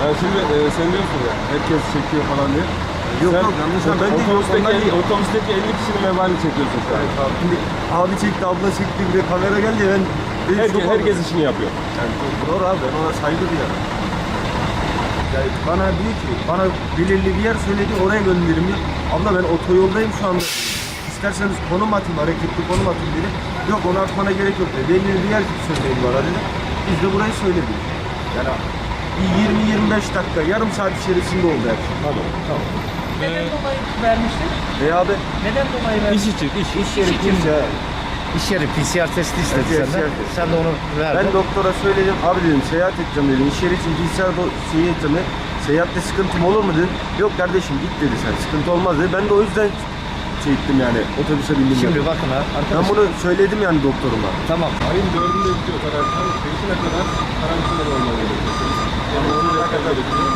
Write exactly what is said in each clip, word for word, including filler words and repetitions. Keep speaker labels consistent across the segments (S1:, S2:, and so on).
S1: Yani şimdi e, sen diyorsun ya, herkes çekiyor falan diye.
S2: Yok
S1: Sen
S2: yok yanlış anladın. Ben de
S1: otobüsteki,
S2: yok,
S1: elli, otobüsteki elli kişinin vebalini çekiyorsun şu an.
S2: Evet abi. Şimdi abi çekti, abla çekti, bir de kamera geldi ben... ben
S1: Herkes,
S2: şok
S1: herkes
S2: oldum.
S1: işini yapıyor.
S2: Yani doğru abi, ben ona saygı duyarım. Yani bana diyor ki, bana belirli bir yer söyledi, oraya gönderim diyor. Abla ben otoyoldayım şu anda. İsterseniz konum atayım, hareketli konum atayım dedi. Yok onu atmana gerek yok dedi. Belirli bir yer söyleyin bana dedi. Biz de burayı söyledik. Yani yirmi yirmi beş dakika, yarım saat içerisinde oldu her şey.
S1: Tamam, tamam.
S3: Neden dolayı vermiştin?
S2: E abi,
S3: Neden dolayı
S1: İş
S3: vermiştin?
S1: için, iş.
S2: iş yeri kimse.
S4: İş yeri P C R testi istedi
S2: Evet,
S4: senden.
S2: P C R testi.
S4: Sen de onu verdin.
S2: Ben doktora söyledim, abi dedim seyahat edeceğim dedim. İş yeri için P C R şeyi edeceğim dedim. Seyahatte sıkıntım olur mu dedim. Yok kardeşim git dedi sen, sıkıntı olmaz dedi. Ben de o yüzden şey ettim yani, otobüse bindim.
S4: Şimdi
S2: yani.
S4: bakın ha,
S2: Ben
S4: arkadaşlar.
S2: bunu söyledim yani doktoruma.
S4: Tamam.
S1: Ayın dördünde bitiyor karantina. Beşine kadar karantinada olmalı gerekiyor. Yani onu kadar gerekiyor.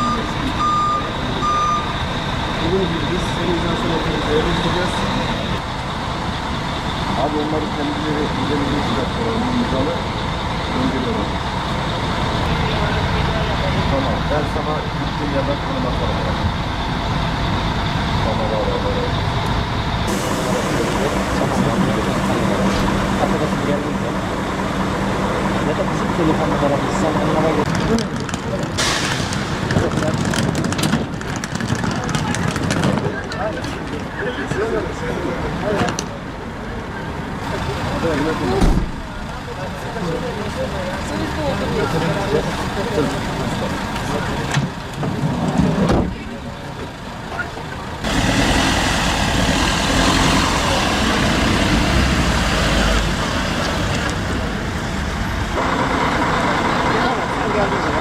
S1: Bugün biz senin izlasyon otobüsleri gideceğiz. Abi onları kendileri üzerinde çıkarttılar. Onun imzalı gönderiyorlar. Tamam. Ben sana gittiğim yerden konum atarım. Tamam abi. Tamam.
S4: Arkadaşım geldiğinde ya da bizim telefon numaramız sen onlara gel. Geldiniz.